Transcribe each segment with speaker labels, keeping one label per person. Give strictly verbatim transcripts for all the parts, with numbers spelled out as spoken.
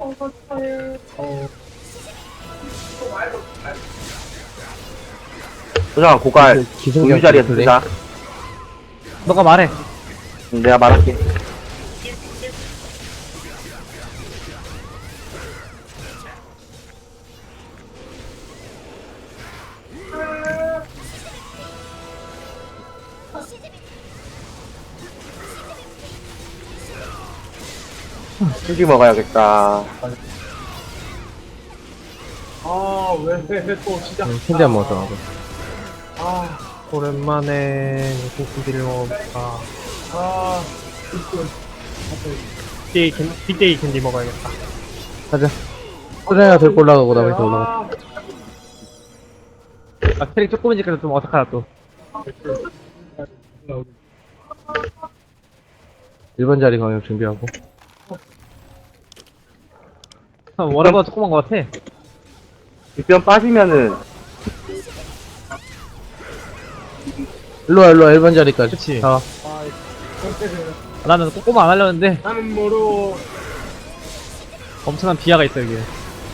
Speaker 1: 소장아 고갈 우유 자리에 두자.
Speaker 2: 너가 말해.
Speaker 1: 응, 내가 말할게. 휴지 먹어야겠다.
Speaker 3: 아, 왜 또 시작.
Speaker 2: 응, 캔디 안 먹었어.
Speaker 3: 아,
Speaker 2: 오랜만에 고기를 먹어볼까.
Speaker 3: 아,
Speaker 2: 빅데이 캔, 빅데이 캔디 먹어야겠다.
Speaker 4: 가자. 소장이가 들고 올라가고 나머지 다 올라가.
Speaker 2: 아, 캐릭 조금이니까 좀 어떡하나 또.
Speaker 4: 일 번 자리 강력 준비하고.
Speaker 2: 아, 워라가 조그만 것 같아.
Speaker 1: 뒷변 빠지면은
Speaker 4: 일로와, 일로와, 일 번 자리까지.
Speaker 2: 그치.
Speaker 4: 자,
Speaker 2: 아, 나는 꼬꼬마 안 하려는데
Speaker 3: 나는 뭐로.
Speaker 2: 엄청난 비하가 있어, 여기.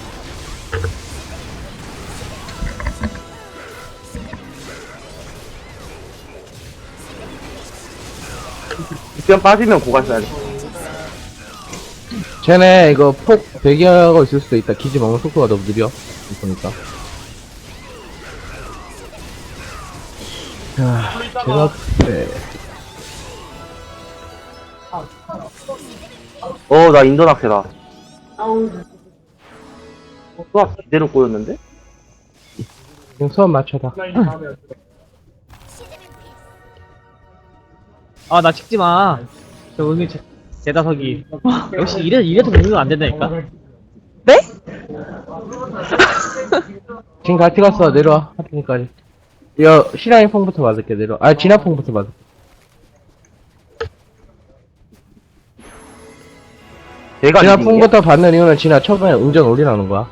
Speaker 1: 뒷변 빠지면 고갈 써야 돼.
Speaker 4: 쟤네 이거 폭 배기하고 있을 수도 있다. 기지 먹는 속도가 너무 느려. 보니까. 자, 제가, 네.
Speaker 1: 어, 나 인도 낙세다. 수학 제대로 꼬였는데?
Speaker 4: 지금 수업 맞춰다.
Speaker 2: 아, 나 찍지 마. 저 은미 제, 제다석이. 역시 이래, 이래도 공유가 안 된다니까?
Speaker 4: 지금 같이 갔어. 내려와. 하트니까지. 이거, 시라인 퐁부터 맞을게. 내려와. 아, 진화 퐁부터 맞을게.
Speaker 1: 내가
Speaker 4: 진화
Speaker 1: 이긴 게?
Speaker 4: 퐁부터 받는 이유는 진화 초반에 응전 올리라는 거야.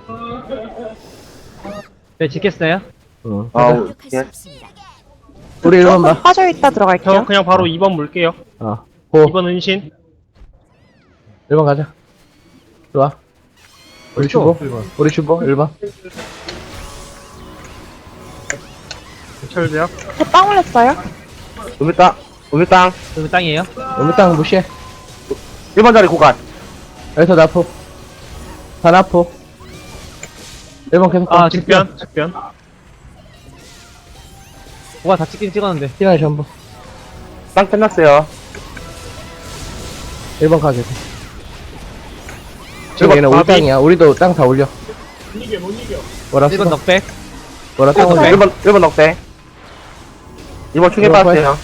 Speaker 2: 네, 찍겠어요?
Speaker 4: 응.
Speaker 1: 아,
Speaker 4: 가자.
Speaker 1: 예.
Speaker 4: 우리 일 번 봐.
Speaker 5: 빠져있다 들어갈게요.
Speaker 6: 저 그냥 바로 이 번 물게요.
Speaker 4: 어. 고.
Speaker 6: 이 번 은신.
Speaker 4: 일 번 가자. 좋아. 우리 주보. 우리 주보. 일 번.
Speaker 6: 철대요.
Speaker 5: 저 빵 올렸어요?
Speaker 1: 우밀땅, 우밀땅.
Speaker 2: 여기 땅이에요?
Speaker 4: 우리 땅 무시해.
Speaker 1: 일 번 자리 고갈.
Speaker 4: 여기서 나포. 다 나포. 일 번 계속 가.
Speaker 2: 아,
Speaker 6: 직변, 직변.
Speaker 2: 뭐가 다 찍긴 찍었는데.
Speaker 4: 시간이 전부.
Speaker 1: 땅 끝났어요.
Speaker 4: 일 번 가게 돼. 지금
Speaker 1: 일 번
Speaker 4: 얘는 우리
Speaker 6: 바비.
Speaker 4: 땅이야. 우리도 땅 다 올려.
Speaker 3: 못 이겨, 못 이겨.
Speaker 4: 뭐라
Speaker 2: 일 번
Speaker 4: 쓰고.
Speaker 2: 넉백.
Speaker 4: 뭐라
Speaker 2: 일 번
Speaker 4: 쓰고.
Speaker 2: 넉백.
Speaker 1: 일 번, 일 번 넉대. 이 번 충에
Speaker 4: 일 번
Speaker 1: 빠졌어요.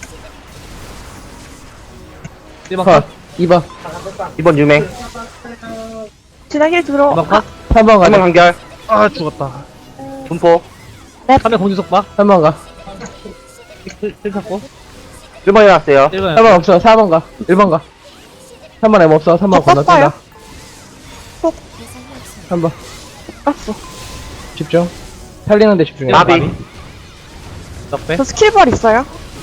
Speaker 2: 일 번
Speaker 4: 컷.
Speaker 2: 컷.
Speaker 4: 이 번.
Speaker 1: 이 번 유맹.
Speaker 5: 진하길 들어.
Speaker 2: 일 번 컷.
Speaker 4: 삼 번
Speaker 1: 삼 번
Speaker 4: 가자.
Speaker 1: 간결.
Speaker 6: 아, 죽었다.
Speaker 1: 분포.
Speaker 2: 삼 번 공주속박.
Speaker 4: 삼 번 가.
Speaker 2: 일 탔고.
Speaker 1: 일 번 일어났어요.
Speaker 2: 일 번.
Speaker 4: 삼 번 없어. 사 번 가. 일 번 가. 삼 번 M 없어. 삼 번
Speaker 5: 저
Speaker 4: 건너뛴다.
Speaker 5: 떴어요.
Speaker 4: 삼 번.
Speaker 5: 깠어.
Speaker 4: 집중. 살리는데 집중해.
Speaker 1: 나비.
Speaker 2: 넉백.
Speaker 5: 저 스킬벌 있어요?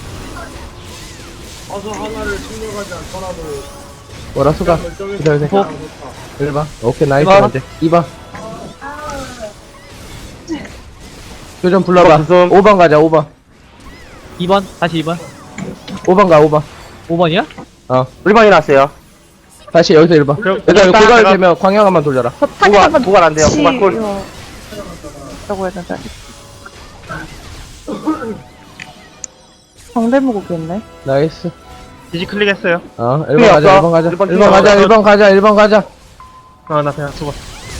Speaker 3: 어서 하나를 챙겨가지 않더라도.
Speaker 4: 뭐라 수가. 기다려.
Speaker 3: 결정해서.
Speaker 4: 일 번. 오케이. 나이스.
Speaker 2: 일 번.
Speaker 4: 이제. 이 번. 교전 불러봐.
Speaker 1: 이 번 부숨.
Speaker 4: 오 번 가자. 오 번.
Speaker 2: 이 번. 다시 이 번.
Speaker 4: 오 번 가. 오 번.
Speaker 2: 오 번이야?
Speaker 4: 어.
Speaker 1: 일 번 일어났어요.
Speaker 4: 다시 여기서 일 번.
Speaker 6: 그럼
Speaker 4: 얘들아,
Speaker 1: 일단
Speaker 4: 고갈
Speaker 1: 내가-
Speaker 4: 되면 광역 한번 돌려라.
Speaker 5: 저 타겟
Speaker 1: 고갈,
Speaker 5: 한번
Speaker 1: 고갈 안 돼요. 고갈 콜.
Speaker 5: 라고 해야 되나? 정대무고겠네.
Speaker 4: 나이스.
Speaker 6: 디지 클릭했어요.
Speaker 4: 어, 일 번
Speaker 1: 필요
Speaker 4: 가자,
Speaker 1: 없어.
Speaker 4: 일 번 가자.
Speaker 1: 일 번
Speaker 4: 일 번 가자,
Speaker 6: 필요
Speaker 4: 일 번 가자, 일 번 가자.
Speaker 6: 아, 나 그냥 죽었어.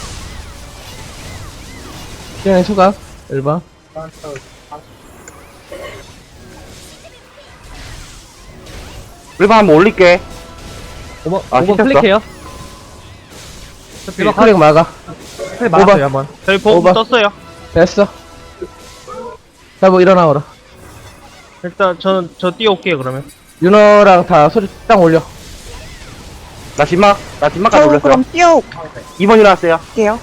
Speaker 4: 시간의 수각. 일 번.
Speaker 1: 일 번 한번 올릴게.
Speaker 2: 오 번.
Speaker 1: 아,
Speaker 2: 오 번
Speaker 1: 시켰어?
Speaker 2: 클릭해요.
Speaker 4: 일 번 클릭 막아.
Speaker 2: 클릭
Speaker 4: 오 번.
Speaker 2: 막았어요, 한 번.
Speaker 6: 저희 보험
Speaker 4: 오버.
Speaker 6: 떴어요.
Speaker 4: 됐어. 자, 뭐 일어나오라.
Speaker 6: 일단 저는 저 뛰어올게요, 그러면.
Speaker 4: 윤호랑 다 소리 땅 올려.
Speaker 1: 나 진막, 나 진막까지
Speaker 5: 저
Speaker 1: 올렸어요.
Speaker 5: 그럼 뛰어올게요.
Speaker 1: 이 번 일어났어요.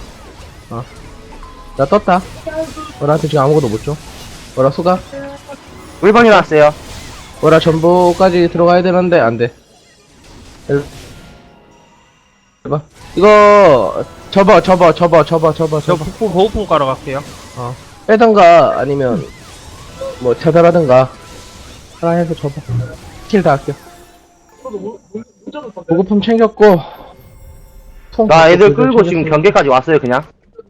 Speaker 4: 나 떴다. 너한테 지금 아무것도 못 줘. 뭐라 수각.
Speaker 1: 일 번 일어났어요.
Speaker 4: 뭐라 전부까지 들어가야 되는데 안 돼. 일- 해봐. 이거, 접어, 접어, 접어, 접어, 접어,
Speaker 6: 저
Speaker 4: 접어.
Speaker 6: 폭풍 보호풍 깔아 갈게요.
Speaker 4: 빼던가, 아니면, 뭐, 차단하던가. 하나 해서 접어. 스킬 다 아껴.
Speaker 3: 저도 문- 문- 문자도 던데.
Speaker 4: 보급품 챙겼고, 통
Speaker 1: 나 애들
Speaker 4: 챙겼고,
Speaker 1: 끌고 지금
Speaker 4: 챙겼고.
Speaker 1: 경계까지 왔어요, 그냥.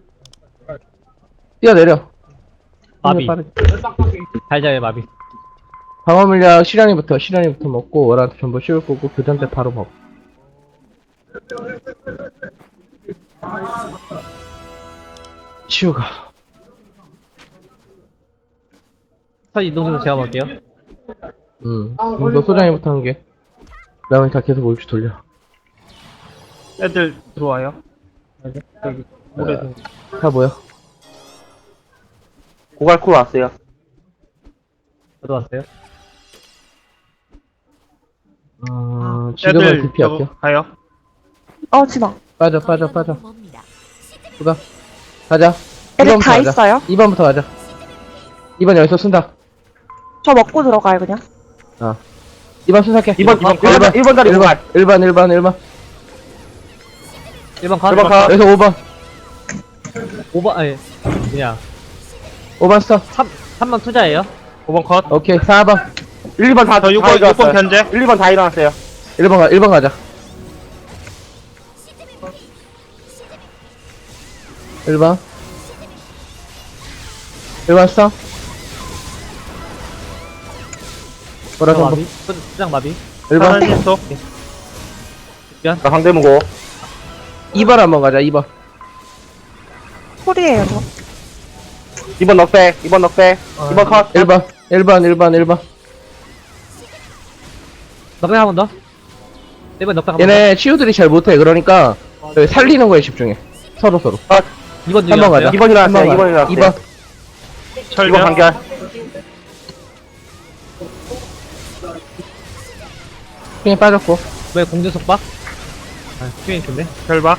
Speaker 4: 뛰어내려.
Speaker 2: 마비.
Speaker 4: 빠르게.
Speaker 2: 달자의 마비.
Speaker 4: 방어 물약 시련이부터, 시련이부터 먹고, 월한테 전부 씌울 거고, 교전 때 바로 먹고. 치우가.
Speaker 2: 첫 이동에서 제가 볼게요.
Speaker 4: 음, 너 소장이부터 한 게. 그 다음에 다 계속 올줄 돌려.
Speaker 6: 애들 들어와요. 여기 모래 등.
Speaker 4: 다 뭐야?
Speaker 1: 고갈쿠 왔어요.
Speaker 2: 저도 왔어요.
Speaker 4: 어, 지금은
Speaker 6: 애들
Speaker 4: 디피
Speaker 6: 저거
Speaker 4: 할게요.
Speaker 6: 가요.
Speaker 5: 어, 진아.
Speaker 4: 빠져, 빠져, 빠져. 수가. 가자.
Speaker 5: 애들
Speaker 4: 이 번부터
Speaker 5: 다
Speaker 4: 가자.
Speaker 5: 있어요?
Speaker 4: 이 번부터 가자. 이 번 여기서 쓴다.
Speaker 5: 저 먹고 들어가요, 그냥.
Speaker 4: 어. 이 번 순삭해.
Speaker 1: 이번, 이번, 일 번, 일 번 다리
Speaker 4: 일 번,
Speaker 1: 고갈.
Speaker 4: 일 번, 일 번, 일 번.
Speaker 2: 일 번 컷.
Speaker 1: 일 번 컷.
Speaker 4: 여기서 오 번.
Speaker 2: 오 번, 아니, 그냥.
Speaker 4: 오 번 써.
Speaker 2: 삼, 삼 번 투자예요.
Speaker 6: 오 번 컷.
Speaker 4: 오케이, 사 번.
Speaker 1: 일, 이 번 다,
Speaker 6: 저 육
Speaker 1: 다
Speaker 6: 번, 육 번
Speaker 1: 일어났어요.
Speaker 6: 견제.
Speaker 1: 일, 이 번 다 일어났어요.
Speaker 4: 일 번 가, 일 번 가자. 일 번. 일 번 써. 뭐라
Speaker 2: 투자
Speaker 4: 전부.
Speaker 2: 마비. 투- 투장 마비.
Speaker 4: 일 번.
Speaker 6: 하나님 속.
Speaker 1: 나 상대무고.
Speaker 4: 이 번 한번 가자, 이 번.
Speaker 5: 콜이에요, 저.
Speaker 1: 이 번 넉배, 이 번 넉배, 이 번 컷.
Speaker 4: 일 번. 일 번, 일 번, 일 번.
Speaker 2: 넉백 한 번 더. 일 번 넉백 한 번 더.
Speaker 4: 얘네 치유들이 잘 못해. 그러니까 여기 살리는 거에 집중해. 서로 서로.
Speaker 2: 이 번
Speaker 4: 한 번 가자.
Speaker 1: 이 번 일어났어요,
Speaker 4: 한
Speaker 1: 이 번 일어났어요.
Speaker 4: 이 번.
Speaker 1: 이 번
Speaker 6: 철벽.
Speaker 1: 간결.
Speaker 4: 핑이 빠졌고.
Speaker 2: 왜 공중 속박? 아, 큐인 좋네.
Speaker 6: 결박.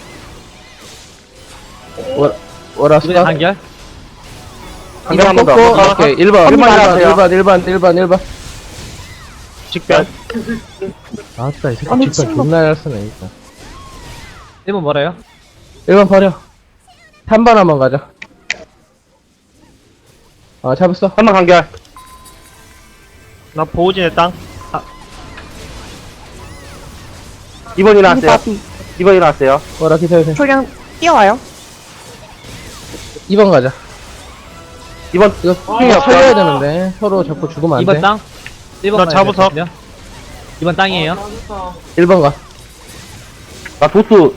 Speaker 4: 월, 월화수.
Speaker 2: 이번에 간결.
Speaker 1: 간결 한번 더.
Speaker 4: 고 오케이. 일 번. 일 번,
Speaker 1: 일어났어요.
Speaker 4: 일 번, 일 번, 일 번, 일 번.
Speaker 6: 직변.
Speaker 4: 아따, 이 새끼
Speaker 5: 아니,
Speaker 4: 집단
Speaker 5: 친구.
Speaker 4: 존나 잘 쓰네, 일단.
Speaker 2: 일 번 뭐래요?
Speaker 4: 일 번 버려. 삼 번 한번 가자. 아, 잡았어.
Speaker 1: 한 번 간결.
Speaker 6: 나 보호진의 땅.
Speaker 1: 이 번 일어났어요.
Speaker 5: 마비.
Speaker 1: 이 번 일어났어요.
Speaker 4: 뭐라 기다려주세요.
Speaker 5: 저 그냥 뛰어와요.
Speaker 4: 이 번 가자.
Speaker 1: 이 번,
Speaker 4: 이거 핑이 살려야 되는데. 서로 자꾸 죽으면 안
Speaker 2: 이 번
Speaker 4: 돼.
Speaker 2: 땅. 일 번
Speaker 6: 나 자부석.
Speaker 2: 이 번 땅이에요.
Speaker 4: 일 번 가.
Speaker 1: 나 도수.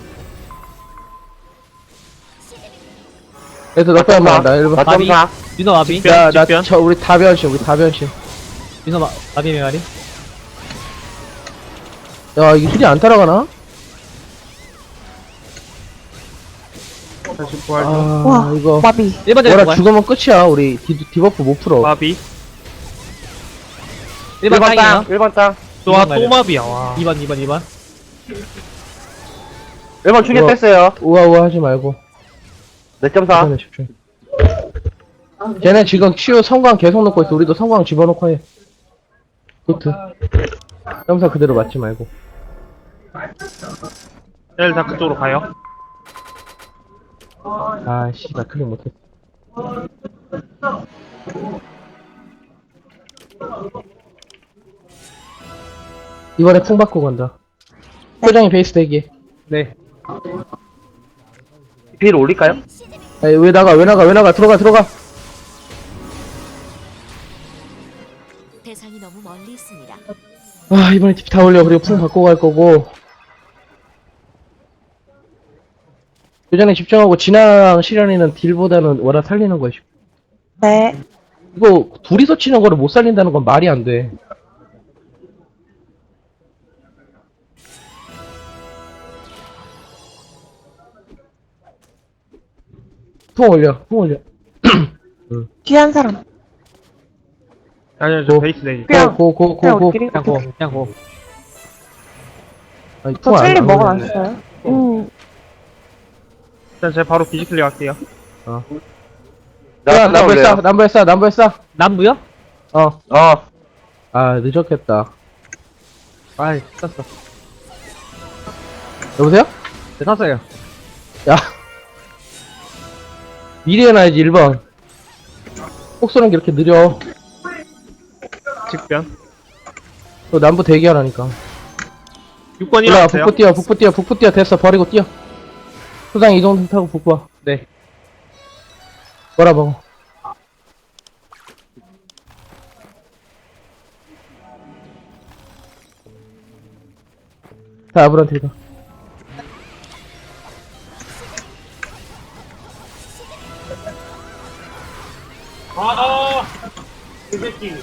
Speaker 4: 얘도 넉배 한번 한다. 일 번.
Speaker 1: 나
Speaker 2: 마비.
Speaker 1: 점사.
Speaker 2: 윤호 마비.
Speaker 6: 직변.
Speaker 4: 야, 나,
Speaker 6: 직변.
Speaker 4: 저, 우리 다 변신, 우리 다 변신.
Speaker 2: 윤호 마, 마비 메마리.
Speaker 4: 야, 이게 힐이 안 따라가나?
Speaker 6: 다시 부활.
Speaker 4: 아,
Speaker 5: 와,
Speaker 4: 이거.
Speaker 5: 마비.
Speaker 2: 일 번 전에
Speaker 4: 뭐라
Speaker 2: 뭐야?
Speaker 4: 죽으면 끝이야. 우리 디, 디버프 못 풀어.
Speaker 6: 마비.
Speaker 2: 일 번 땅이에요.
Speaker 1: 땅, 일 번 땅.
Speaker 6: 또, 아,
Speaker 2: 이번
Speaker 6: 또
Speaker 2: 말이야.
Speaker 6: 마비야, 와.
Speaker 2: 이 번, 이 번, 이 번.
Speaker 1: 일 번 충격
Speaker 4: 우와.
Speaker 1: 뺐어요.
Speaker 4: 우아우아 하지 말고.
Speaker 1: 네 점 사.
Speaker 4: 이번에 집중. 쟤네 지금 치유 성광 계속 놓고 있어. 우리도 성광 집어넣고 해. 그트. 점사 그대로 맞지 말고.
Speaker 6: 애들 다 그쪽으로 가요.
Speaker 4: 아, 씨, 나 클릭 못했어. 이번에 풍 받고 간다. 소장이 베이스 대기.
Speaker 2: 네.
Speaker 1: 비를 올릴까요?
Speaker 4: 아니, 왜 나가, 왜 나가, 왜 나가, 들어가, 들어가.
Speaker 7: 대상이 너무 멀리 있습니다.
Speaker 4: 아, 이번에 티피 다 올려. 그리고 풍 받고 갈 거고. 요전에 집중하고, 진아랑 시련이는 딜보다는 워라 살리는 거야.
Speaker 5: 네.
Speaker 4: 이거, 둘이서 치는 거를 못 살린다는 건 말이 안 돼. 풍 올려, 풍 올려.
Speaker 5: 귀한 사람.
Speaker 6: 아니요, 저
Speaker 4: 고.
Speaker 6: 베이스 내기.
Speaker 5: 그냥,
Speaker 4: 고, 고, 고,
Speaker 5: 그냥
Speaker 4: 고.
Speaker 5: 우리끼리.
Speaker 2: 그냥 고, 그냥 고.
Speaker 4: 아니,
Speaker 5: 저
Speaker 4: 풍 안-
Speaker 5: 첼리
Speaker 4: 안
Speaker 5: 먹어놨어요. 음,
Speaker 6: 일단 제가 바로 디지클릭 할게요.
Speaker 4: 야, 남부에 싸, 남부에 싸, 남부에 싸.
Speaker 2: 남부요?
Speaker 4: 어.
Speaker 1: 어.
Speaker 4: 아, 늦었겠다.
Speaker 2: 아이, 썼어.
Speaker 4: 여보세요?
Speaker 2: 네, 탔어요.
Speaker 4: 야. 미리 해놔야지, 일 번. 폭 쏘는 게 이렇게 느려.
Speaker 6: 직변.
Speaker 4: 너 남부 대기하라니까.
Speaker 6: 육 번
Speaker 4: 올라와,
Speaker 6: 일어나세요.
Speaker 4: 북부 뛰어, 북부 뛰어, 북부 뛰어. 됐어, 버리고 뛰어. 수상 이동 타고 북부 와.
Speaker 2: 네.
Speaker 4: 뭐라 먹어. 자, 아브란테 가.
Speaker 3: 아, 그 새끼.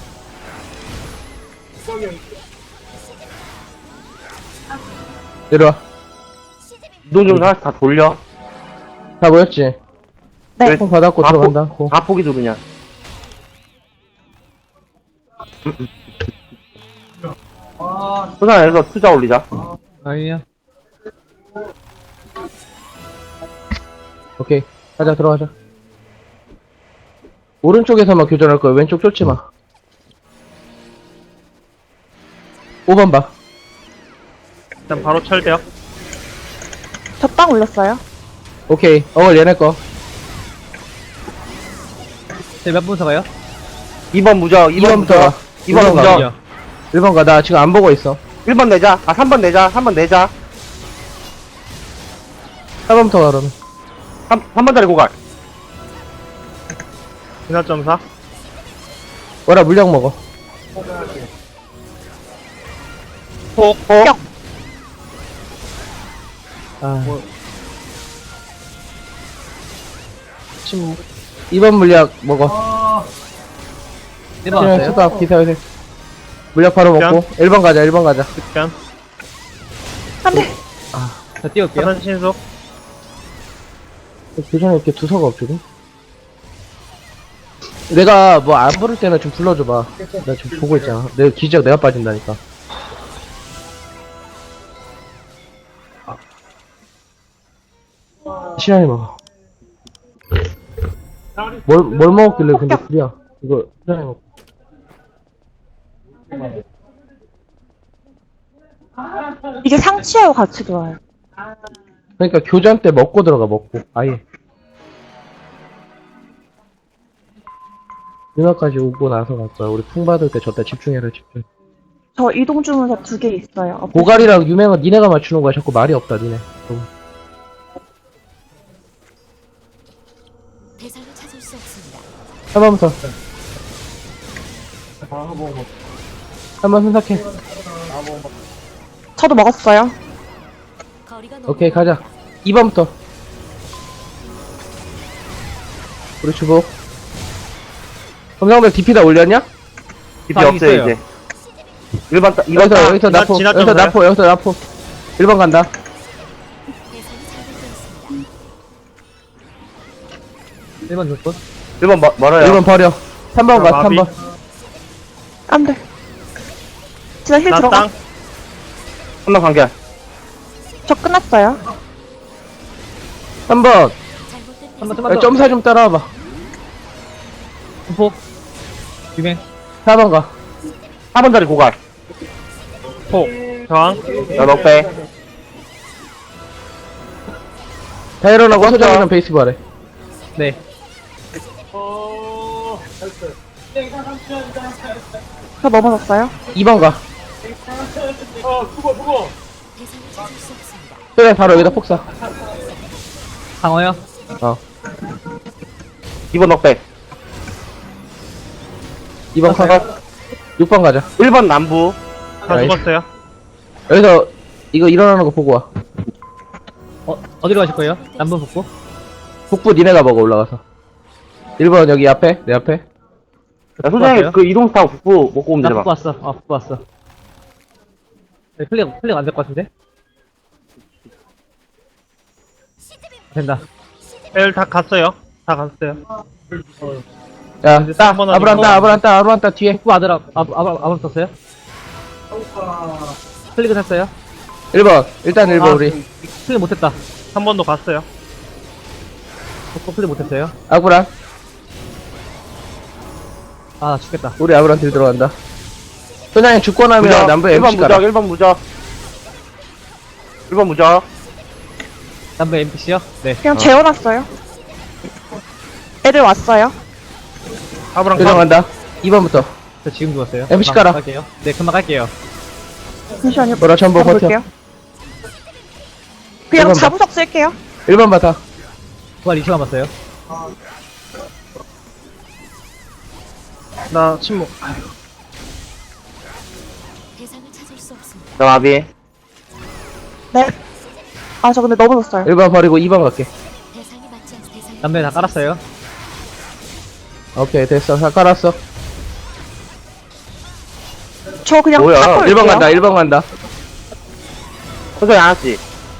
Speaker 4: 내려와.
Speaker 1: 이동 좀 하나씩 다 돌려.
Speaker 4: 다 모였지?
Speaker 5: 네.
Speaker 4: 총 받았고
Speaker 1: 다
Speaker 4: 들어간다. 고.
Speaker 1: 다 포기도 그냥. 소산에서 투자 올리자.
Speaker 2: 아니야.
Speaker 4: 오케이. 가자, 들어가자. 오른쪽에서만 교전할 거야. 왼쪽 쫓지 마. 오 번 봐.
Speaker 6: 일단 바로 철벽.
Speaker 5: 저 땅 올렸어요.
Speaker 4: 오케이. 어글 얘네 거.
Speaker 2: 네, 몇 분서 가요?
Speaker 1: 이 번 무적, 이 번
Speaker 4: 이 번부터 가.
Speaker 1: 무적, 이 번
Speaker 4: 이 번 가.
Speaker 1: 무적.
Speaker 2: 아니요.
Speaker 4: 일 번 가. 나 지금 안 보고 있어.
Speaker 1: 일 번 내자. 아, 삼 번 내자. 삼 번 내자.
Speaker 4: 사 번부터 가, 그러면.
Speaker 1: 삼, 삼 번짜리 고갈.
Speaker 6: 진화점사.
Speaker 4: 뭐라, 물량 먹어.
Speaker 6: 폭.
Speaker 1: 어?
Speaker 4: 아.
Speaker 2: 침,
Speaker 4: 이 번 물약 먹어.
Speaker 2: 네 번
Speaker 4: 그냥
Speaker 2: 왔어요?
Speaker 4: 수다, 기사 요새. 물약 바로 먹고. 일 번 가자, 일 번 가자.
Speaker 6: 직변.
Speaker 5: 안 돼.
Speaker 2: 저 띄울게요.
Speaker 6: 사선 신속.
Speaker 4: 교전에 이렇게 두서가 없거든? 내가 뭐 안 부를 때는 좀 불러줘봐. 나 지금 보고 있잖아. 내 기적 내가 빠진다니까. 시간이 먹어. 뭘, 뭘 먹었길래 근데 불이야. 이거 시간이 먹어.
Speaker 5: 이게 상치하고 같이 좋아요.
Speaker 4: 그러니까 교전 때 먹고 들어가, 먹고. 아예. 누나까지 오고 나서 갈 거야. 우리 풍 받을 때 저때 집중해라, 집중.
Speaker 5: 저 이동 주문서 두 개 있어요. 어,
Speaker 4: 고갈이랑 유명한 니네가 맞추는 거야. 자꾸 말이 없다, 니네. 좀.
Speaker 7: 대상을 찾을 수 없습니다.
Speaker 4: 한 번부터. 한 번 순삭해.
Speaker 5: 저도 먹었어요.
Speaker 7: 거리가 너무
Speaker 4: 오케이, 가자. 이 번부터. 우리 주복. 검상백 디피 다 올렸냐?
Speaker 1: 디피
Speaker 2: 다
Speaker 1: 없어요,
Speaker 2: 있어요.
Speaker 1: 이제. 일 번, 따- 이 번,
Speaker 4: 여기서,
Speaker 1: 따-
Speaker 4: 여기서
Speaker 6: 지나-
Speaker 4: 나포.
Speaker 6: 지나쳐
Speaker 4: 여기서
Speaker 6: 보세요.
Speaker 4: 나포, 여기서 나포. 일 번 간다.
Speaker 7: 대상이 잘못되었습니다.
Speaker 2: 일 번 줬고.
Speaker 1: 일 번 뭐, 멀어요.
Speaker 4: 일 번 버려. 삼 번
Speaker 6: 자,
Speaker 4: 가,
Speaker 6: 마비.
Speaker 4: 삼 번.
Speaker 5: 안 돼. 진짜 힐
Speaker 6: 나
Speaker 5: 들어가.
Speaker 6: 땅.
Speaker 1: 한 번 관계.
Speaker 5: 저 끝났어요.
Speaker 4: 삼 번.
Speaker 7: 잘못된
Speaker 2: 한 번,
Speaker 7: 대상.
Speaker 2: 좀만 더.
Speaker 4: 점사 좀 따라와봐.
Speaker 2: 폭. 유맹.
Speaker 4: 사 번 가.
Speaker 1: 사 번짜리 고갈.
Speaker 6: 폭. 저항.
Speaker 1: 야, 너 빼.
Speaker 4: 다 일어나고 소장이랑 베이스 바래.
Speaker 2: 네.
Speaker 3: 어, 됐어요.
Speaker 5: 저 넘어졌어요.
Speaker 4: 이 번 가.
Speaker 3: 어, 죽어, 죽어.
Speaker 7: 대상을 찾을 수 없습니다.
Speaker 4: 소장 바로 여기다 폭사.
Speaker 2: 강어요?
Speaker 4: 어.
Speaker 1: 이 번 넉백.
Speaker 4: 이 번 가. 육 번 가자.
Speaker 1: 일 번 남부.
Speaker 6: 다
Speaker 4: 나이스.
Speaker 6: 죽었어요.
Speaker 4: 여기서 이거 일어나는 거 보고 와.
Speaker 2: 어, 어디로 가실 거예요? 남부 북부?
Speaker 4: 북부 니네가 먹어, 올라가서. 일 번 여기 앞에, 내 앞에.
Speaker 1: 야, 소장이 그 이동 타고 북부 먹고 오면
Speaker 2: 나
Speaker 1: 되나
Speaker 2: 북부 왔어. 어, 북부 왔어. 네, 클릭, 클릭 안 될 것 같은데? 된다.
Speaker 6: 엘 다 갔어요. 다 갔어요.
Speaker 4: 야,
Speaker 2: 이제
Speaker 4: 따,
Speaker 6: 삼 번
Speaker 4: 아브란
Speaker 6: 아니고.
Speaker 4: 따, 아브란 따, 아브란 따, 뒤에.
Speaker 2: 북부 아들, 아, 아, 아, 아번 썼어요? 클릭을 했어요?
Speaker 4: 일 번. 일단 일 번
Speaker 2: 아,
Speaker 4: 우리.
Speaker 2: 클릭 못했다.
Speaker 6: 한 번도 갔어요.
Speaker 2: 북부 클릭 못했어요?
Speaker 4: 아브란.
Speaker 2: 아, 나 죽겠다.
Speaker 4: 우리 아브란 딜 들어간다. 소장이 죽고 나면
Speaker 1: 무적.
Speaker 4: 남부에
Speaker 1: 일 번
Speaker 4: 엠씨 가라.
Speaker 1: 무적, 일 번 무적. 일 번 무적.
Speaker 2: 담배 엠피씨요? 네.
Speaker 5: 그냥 재워놨어요. 애들 왔어요.
Speaker 6: 아브랑
Speaker 4: 교정
Speaker 6: 가.
Speaker 4: 간다. 이 번부터.
Speaker 2: 저 지금 죽었어요.
Speaker 4: 엠피씨
Speaker 2: 금방
Speaker 4: 깔아.
Speaker 2: 갈게요. 네, 금방 갈게요.
Speaker 5: 잠시만요.
Speaker 4: 뭐라 전부
Speaker 5: 한번
Speaker 4: 버텨.
Speaker 5: 볼게요. 그냥
Speaker 4: 일번
Speaker 5: 자부석 쓸게요.
Speaker 4: 일 번 바타.
Speaker 2: 부활 이 초 남았어요.
Speaker 6: 나 침묵.
Speaker 7: 대상을 찾을 수 없습니다.
Speaker 1: 저 마비.
Speaker 5: 네. 아, 저 근데 넘어졌어요.
Speaker 4: 일 번 버리고 이 번 갈게.
Speaker 7: 대상이 맞지 않는 대상이
Speaker 2: 담배 다 깔았어요.
Speaker 4: 오케이, 됐어. 다 깔았어.
Speaker 5: 저 그냥
Speaker 1: 뭐야?
Speaker 5: 탁
Speaker 4: 일 번
Speaker 5: 걸게요.
Speaker 4: 간다, 일 번 간다.
Speaker 1: 소정이 안 왔지?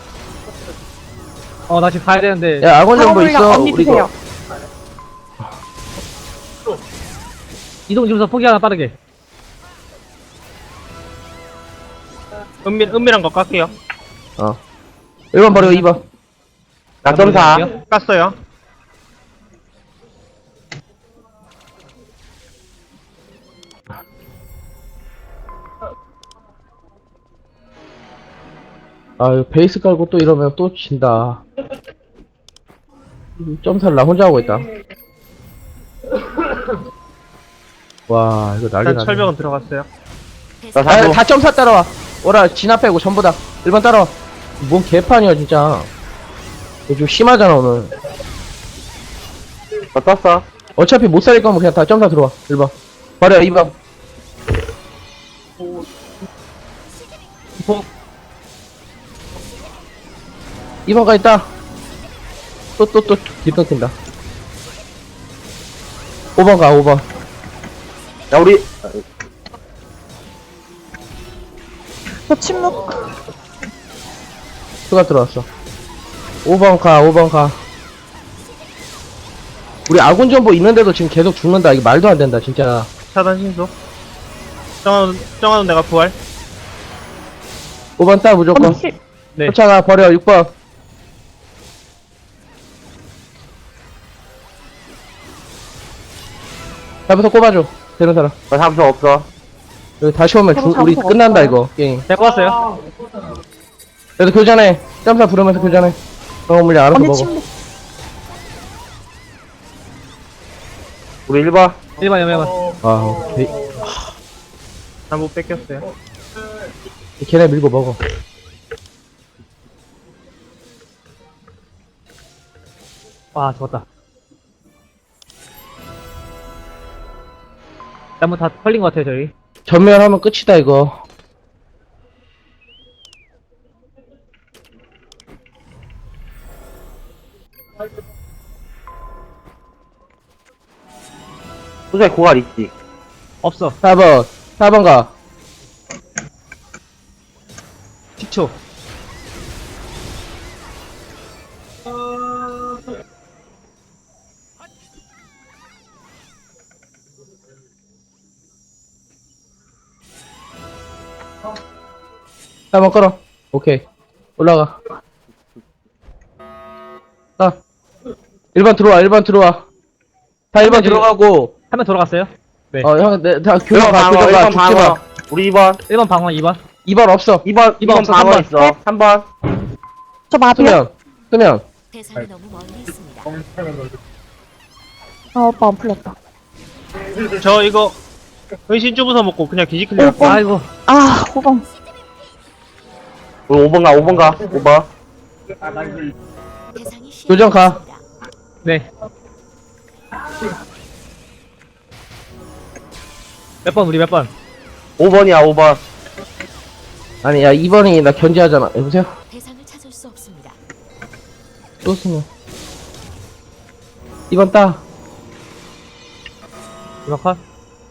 Speaker 2: 어, 나 지금 가야 되는데.
Speaker 4: 야, 악원 정보
Speaker 5: 방어물량
Speaker 4: 있어.
Speaker 5: 언니
Speaker 4: 우리
Speaker 5: 드세요.
Speaker 4: 거.
Speaker 2: 이동 지면서 포기 하나 빠르게.
Speaker 6: 은밀, 은밀한 거 깎게요.
Speaker 4: 어. 일 번 버리고 이 번.
Speaker 1: 낙점사.
Speaker 6: 깠어요.
Speaker 4: 아유, 베이스 깔고 또 이러면 또 진다. 점사를 나 혼자 하고 있다. 와, 이거 난리
Speaker 6: 일단
Speaker 4: 나네.
Speaker 6: 철벽은 들어갔어요.
Speaker 1: 나
Speaker 7: 대상
Speaker 4: 아,
Speaker 1: 사고.
Speaker 4: 다 점사 따라와. 오라, 진압 빼고 전부 다. 일 번 따라와. 뭔 개판이야, 진짜. 이거 좀 심하잖아, 오늘.
Speaker 1: 나 떴어.
Speaker 4: 어차피 못 살릴 거면 그냥 다 점사 들어와. 일 번. 버려, 이 번. 이 번까지 있다. 또, 또, 또, 길 끊긴다. 오 번 가, 오 번.
Speaker 1: 야, 우리.
Speaker 5: 저 침묵.
Speaker 4: 수가 들어왔어. 오 번 가, 오 번 가. 우리 아군 정보 있는데도 지금 계속 죽는다. 이게 말도 안 된다, 진짜.
Speaker 6: 차단 신속. 정하는, 정하는 내가 부활.
Speaker 4: 오 번 따, 무조건.
Speaker 5: 언니 힐.
Speaker 2: 네.
Speaker 4: 쫓아가, 버려, 육 번. 잡아서 꼽아줘. 되는 사람.
Speaker 1: 나 사무소 없어.
Speaker 4: 여기 다시 오면
Speaker 5: 저도
Speaker 4: 주, 우리
Speaker 5: 잡아서
Speaker 4: 끝난다,
Speaker 5: 없어요.
Speaker 4: 이거, 게임.
Speaker 2: 잘 뽑았어요.
Speaker 4: 그래도 교전해. 점사 부르면서 교전해. 어, 물량 알아서
Speaker 5: 언니
Speaker 4: 먹어.
Speaker 5: 침묵.
Speaker 1: 우리 일 번.
Speaker 2: 일 번, 일 번.
Speaker 4: 아, 오케이.
Speaker 6: 나 못 뺏겼어요.
Speaker 4: 걔네 밀고 먹어.
Speaker 2: 와, 죽었다. 나무 다 털린 것 같아요, 저희.
Speaker 4: 전멸하면 끝이다, 이거.
Speaker 1: 소정이 고갈 있지?
Speaker 2: 없어.
Speaker 4: 사 번. 사 번 가.
Speaker 2: 십 초.
Speaker 4: 사 번 끌어. 오케이. 올라가. 아. 일 번 들어와, 일 번 들어와. 다 일 번 들어가고,
Speaker 2: 한 명 돌아갔어요. 네.
Speaker 4: 어, 형, 내, 다
Speaker 1: 일
Speaker 4: 교정
Speaker 1: 번
Speaker 4: 가,
Speaker 1: 방어,
Speaker 4: 교정
Speaker 1: 일
Speaker 4: 가,
Speaker 1: 번
Speaker 4: 죽지 마.
Speaker 1: 방어. 우리 이 번.
Speaker 2: 일 번 방어, 이 번.
Speaker 4: 이 번 없어.
Speaker 1: 이 번, 이 번
Speaker 2: 없어,
Speaker 1: 방어
Speaker 2: 삼 번.
Speaker 1: 있어. 삼 번.
Speaker 5: 저 마비요.
Speaker 4: 쓰면, 쓰면.
Speaker 7: 대상이 너무 멀리 있습니다.
Speaker 5: 아, 오빠 안 풀렸다.
Speaker 6: 저 이거, 은신 쭈부서 먹고 그냥 기지 클리어.
Speaker 5: 오 번.
Speaker 2: 아이고.
Speaker 5: 아, 오 번.
Speaker 1: 우리 오 번 가, 오 번 가. 오 번.
Speaker 7: 대상이
Speaker 4: 교정 가.
Speaker 7: 시야에 있습니다.
Speaker 2: 네. 몇 번, 우리 몇 번?
Speaker 1: 오 번이야, 오 번.
Speaker 4: 아니, 야, 이 번이 나 견제하잖아. 여보세요?
Speaker 7: 대상을 찾을 수 없습니다.
Speaker 4: 또 쓰면. 이 번 따.
Speaker 2: 이 번 컷.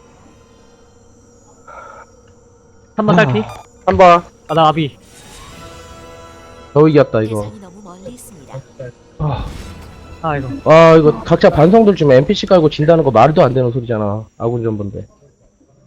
Speaker 2: 삼 번 딸피.
Speaker 1: 삼 번.
Speaker 2: 아, 나 아비.
Speaker 4: 더 이겼다, 이거.
Speaker 7: 대상이 너무 멀리 있습니다.
Speaker 4: 아,
Speaker 2: 아, 이거.
Speaker 4: 아, 이거 각자 반성들 좀 엠피씨 깔고 진다는 거 말도 안 되는 소리잖아. 아군 전본데.